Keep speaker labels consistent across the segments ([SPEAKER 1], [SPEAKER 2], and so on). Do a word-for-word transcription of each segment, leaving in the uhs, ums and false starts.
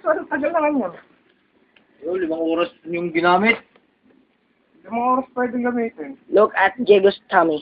[SPEAKER 1] Parang tagal naman yun.
[SPEAKER 2] Yo, limang oras yung ginamit.
[SPEAKER 1] Limang oras pwedeng gamitin.
[SPEAKER 3] Look at Diego's tummy.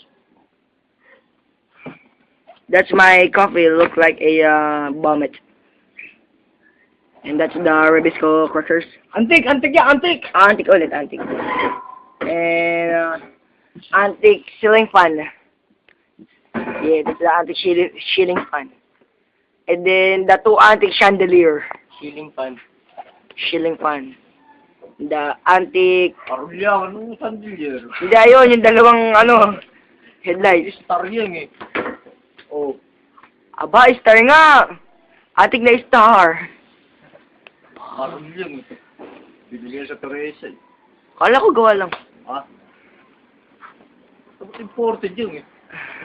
[SPEAKER 3] That's my coffee. Look like a uh, vomit. And that's the Ribisco crackers.
[SPEAKER 1] Antik! Antik yan! Antik!
[SPEAKER 3] Ah, antique ulit, antique. And uh, antique ceiling fan. Yeah, that's the antique ceiling, ceiling fan. And then the two antique chandelier.
[SPEAKER 2] Ceiling fan.
[SPEAKER 3] Ceiling fan. The antique...
[SPEAKER 2] Arulya, anong chandelier?
[SPEAKER 3] Hindi, ayun, yung dalawang, ano, headlights.
[SPEAKER 2] Star yan eh. Oh.
[SPEAKER 3] Aba, star nga! Antique na star.
[SPEAKER 2] Arulya eh. Bibili yan sa Teresa eh.
[SPEAKER 3] Kala ko gawa lang.
[SPEAKER 2] Ha? Tapos imported yun eh.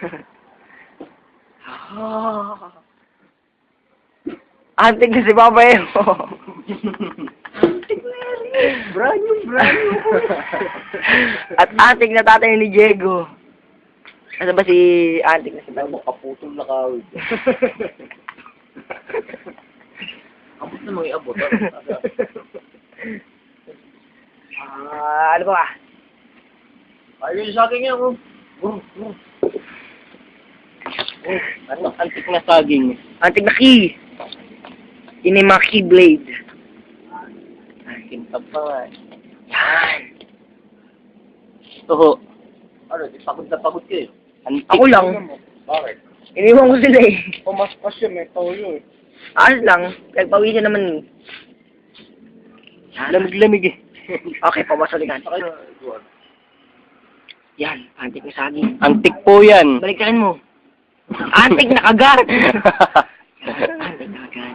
[SPEAKER 3] Antik na si Papa Emo.
[SPEAKER 2] Brand new, brand new.
[SPEAKER 3] At antik na tatay ni Diego. Ano ba si antik na si
[SPEAKER 2] Ano
[SPEAKER 3] Papa?
[SPEAKER 2] mo, kaputol na kawid. Abot na mga iabot.
[SPEAKER 3] Ah, ano ba?
[SPEAKER 2] Ayun sa akin yan, oh. Oh, oh. Oh, ano, antik na saging.
[SPEAKER 3] Antik na key. Yun yung mga keyblade.
[SPEAKER 2] Kintab pa nga eh.
[SPEAKER 3] Yan.
[SPEAKER 2] Toho. Ano, di pagod na pagod kayo. Antik.
[SPEAKER 3] Ako lang.
[SPEAKER 2] Bakit?
[SPEAKER 3] Iniwan ko sila eh.
[SPEAKER 1] Pumaspas yun, may toyo eh.
[SPEAKER 3] Ayos lang. Nagpawisan naman eh.
[SPEAKER 2] Lamig-lamig eh.
[SPEAKER 3] Okay, pabasalikan. Yan, antik na saging.
[SPEAKER 2] Antik po yan.
[SPEAKER 3] Baliktarin mo. Antik na agad. Antik na agad.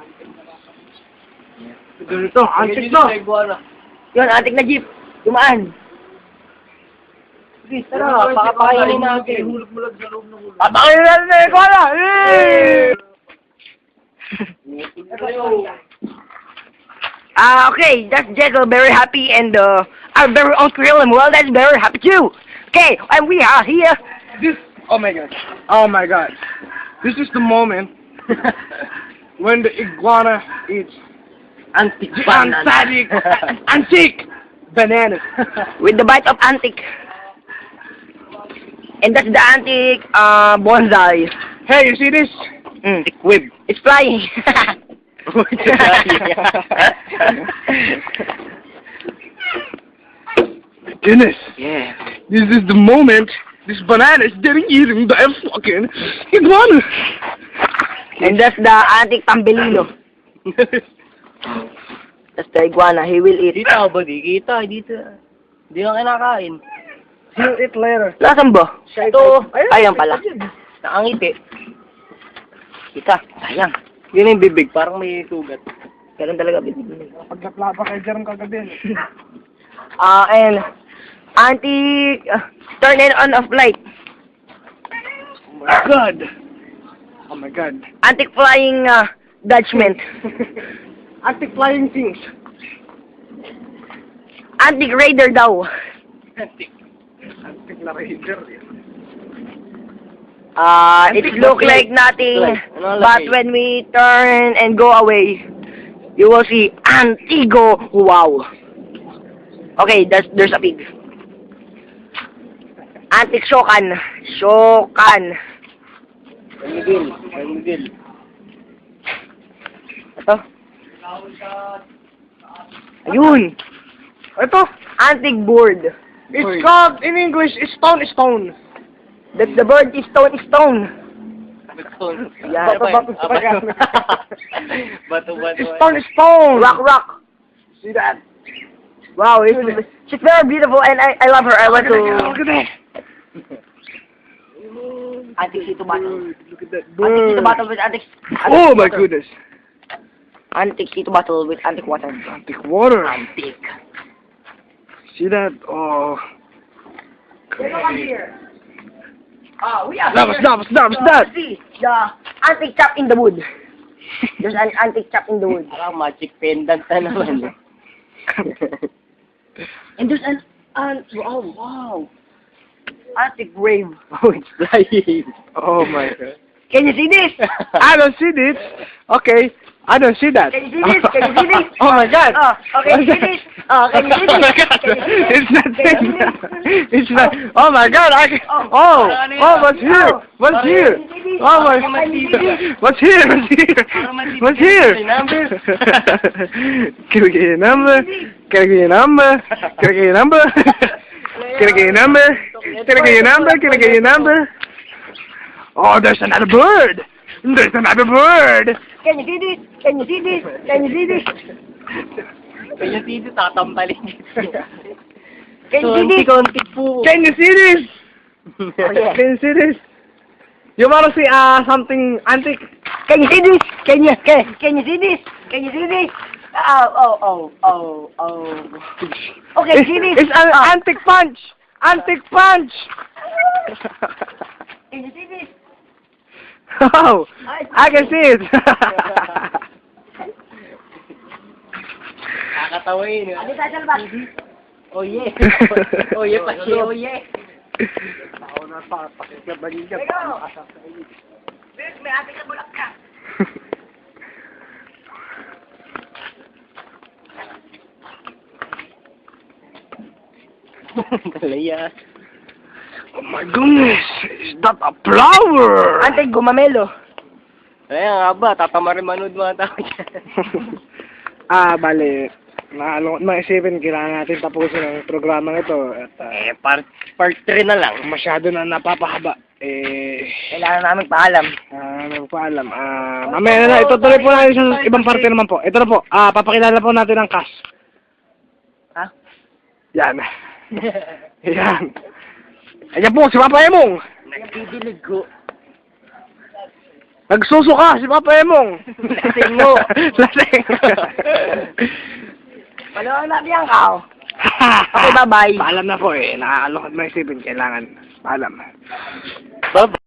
[SPEAKER 1] Ganito, antik na.
[SPEAKER 3] Yun, antik na jeep. Dumaan.
[SPEAKER 2] Please, tara, pakapakainin natin. Hulog-mulag sa loob ng hulog.
[SPEAKER 3] Papakainin natin na ikaw na! Ah, okay, that's Jekyll, very happy, and uh, our very own Krill and well, that's very happy too. Okay, and we are here.
[SPEAKER 1] This, oh my god. Oh my god. This is the moment when the iguana eats
[SPEAKER 2] Antik
[SPEAKER 1] the
[SPEAKER 2] banana.
[SPEAKER 1] antique, antique bananas.
[SPEAKER 3] With the bite of antique. And that's the antique uh, bonsai.
[SPEAKER 1] Hey, you see this?
[SPEAKER 3] Mm.
[SPEAKER 2] Whip.
[SPEAKER 3] It's flying.
[SPEAKER 1] Goodness.
[SPEAKER 3] Yeah.
[SPEAKER 1] This is the moment this banana is getting eaten by a fucking iguana.
[SPEAKER 3] And that's the antique tambelino. That's the iguana. He will eat.
[SPEAKER 2] Dito ba? Di kita. Dito. Di ka kinakain.
[SPEAKER 1] He'll eat later.
[SPEAKER 3] Nasaan ba?
[SPEAKER 2] Ito.
[SPEAKER 3] Ayan pala.
[SPEAKER 2] Nakangiti.
[SPEAKER 3] Kita. Sayang.
[SPEAKER 2] Yun yung bibig. Parang may sugat.
[SPEAKER 3] Ganun talaga.
[SPEAKER 1] Paglaplaba kay Jerome kagabi.
[SPEAKER 3] Ah, uh, and antique uh, turn it on off light.
[SPEAKER 1] Oh my god. Oh my god.
[SPEAKER 3] Antique flying uh, judgment.
[SPEAKER 1] Antique flying things.
[SPEAKER 3] Antique raider daw.
[SPEAKER 1] Antique. Antique na raider.
[SPEAKER 3] Uh, it
[SPEAKER 1] Antique
[SPEAKER 3] look
[SPEAKER 1] look
[SPEAKER 3] like nothing,
[SPEAKER 2] like- ano
[SPEAKER 3] but
[SPEAKER 2] like-
[SPEAKER 3] when we turn and go away, you will see Antigo. Wow. Okay, there's there's a pig. Antique Shokan. Shokan.
[SPEAKER 2] Miguel. Miguel.
[SPEAKER 3] Ito. Ayun. Ito. Antique board.
[SPEAKER 1] It's called in English stone stone.
[SPEAKER 3] The, the bird is stone is stone.
[SPEAKER 2] Stone.
[SPEAKER 3] Yeah.
[SPEAKER 1] Bato, bato, bato.
[SPEAKER 2] Bato, bato.
[SPEAKER 1] Stone stone.
[SPEAKER 3] Rock rock.
[SPEAKER 1] See that?
[SPEAKER 3] Wow, it's, she's very beautiful and I, I love her. I want to...
[SPEAKER 1] Look at that.
[SPEAKER 3] Antique Sito Battle.
[SPEAKER 1] Look at that
[SPEAKER 3] Antique Sito
[SPEAKER 1] bird.
[SPEAKER 3] Battle with Antique...
[SPEAKER 1] Oh my
[SPEAKER 3] water.
[SPEAKER 1] goodness.
[SPEAKER 3] Antique Sito Battle with Antique Water.
[SPEAKER 1] Antique water.
[SPEAKER 3] Antique.
[SPEAKER 1] See that? Oh.
[SPEAKER 3] Oh, we are
[SPEAKER 1] Stop,
[SPEAKER 3] here.
[SPEAKER 1] stop, stop,
[SPEAKER 3] So,
[SPEAKER 1] stop.
[SPEAKER 3] see, the antique chop in the wood. There's an antique chop in the wood.
[SPEAKER 2] Parang magic pendant na naman.
[SPEAKER 3] And there's an... an oh, wow. Antique grave.
[SPEAKER 2] Oh, it's flying.
[SPEAKER 1] Oh my god.
[SPEAKER 3] Can you see this?
[SPEAKER 1] I don't see this. Okay. I don't see that.
[SPEAKER 3] Can you see this? Can you see this?
[SPEAKER 1] Oh my god.
[SPEAKER 3] Oh, okay, see this? Oh, can you see
[SPEAKER 1] Oh my
[SPEAKER 3] this?
[SPEAKER 1] god.
[SPEAKER 3] Can you see this?
[SPEAKER 1] It's not
[SPEAKER 3] Can you see
[SPEAKER 1] there. It's not. Oh my god. I can.
[SPEAKER 3] Oh.
[SPEAKER 1] Oh. Oh, what's here?
[SPEAKER 3] Oh.
[SPEAKER 1] What's
[SPEAKER 3] Can
[SPEAKER 1] here?
[SPEAKER 3] you see this?
[SPEAKER 1] Oh my.
[SPEAKER 3] Can you see this?
[SPEAKER 1] What's here? What's here? What's here? Can I get your number? Can I get your number? Can I get your number? Can I get your number? Can I get your number? Can I get your number? Oh, there's another bird. There's another bird.
[SPEAKER 3] Can you see this? Can you see this? Can you see this?
[SPEAKER 2] Kaya dito tatampalin.
[SPEAKER 3] Can you see this?
[SPEAKER 2] Konti po.
[SPEAKER 1] Can you see this?
[SPEAKER 3] Oh, yeah.
[SPEAKER 1] Can you see this? You wanna see uh something antique?
[SPEAKER 3] Can you see this? Can you can, can you see this? Can you see this? Oh oh oh oh oh. Okay,
[SPEAKER 1] It's,
[SPEAKER 3] see this?
[SPEAKER 1] it's an
[SPEAKER 3] Oh.
[SPEAKER 1] antique punch. Antique punch.
[SPEAKER 3] Can you see this?
[SPEAKER 1] Oh, I can see it.
[SPEAKER 2] Nakakatawa yun.
[SPEAKER 3] Ano tayo sa labas?
[SPEAKER 2] Oh yeah. Oh yeah, pa siya. Oh yeah.
[SPEAKER 1] Ako na pa, pakikip ba niya?
[SPEAKER 3] Pero, Bes, may ate ka bulak ka.
[SPEAKER 2] Talaya.
[SPEAKER 1] Oh my goodness, is that a flower?
[SPEAKER 3] Ante, gumamelo.
[SPEAKER 2] Kaya nga ba, tatamarin manood mga tao dyan.
[SPEAKER 1] Ah, bale, nakalungkot mga isipin, kailangan natin tapusin ang programa ito. At ah,
[SPEAKER 2] Eh, part, part three na lang.
[SPEAKER 1] masyado na napapahaba. Eh,
[SPEAKER 3] Kailangan namin paalam.
[SPEAKER 1] ah, ano po alam. Ah, mamaya na na, itutuloy po natin sa ibang parte naman po. Ito na po, ah, papakilala po natin ang cast.
[SPEAKER 3] Ha?
[SPEAKER 1] Yan. Yan. Ayan po, si Papa Emong.
[SPEAKER 2] Nagdidilig ko.
[SPEAKER 1] Nagsusuka si Papa Emong.
[SPEAKER 2] Lasing mo.
[SPEAKER 1] Lasing.
[SPEAKER 3] Palawan natin yan ka. Okay, bye-bye.
[SPEAKER 1] Paalam na po eh. Nakakalungkot mga isipin. Kailangan. Paalam.
[SPEAKER 2] Bye.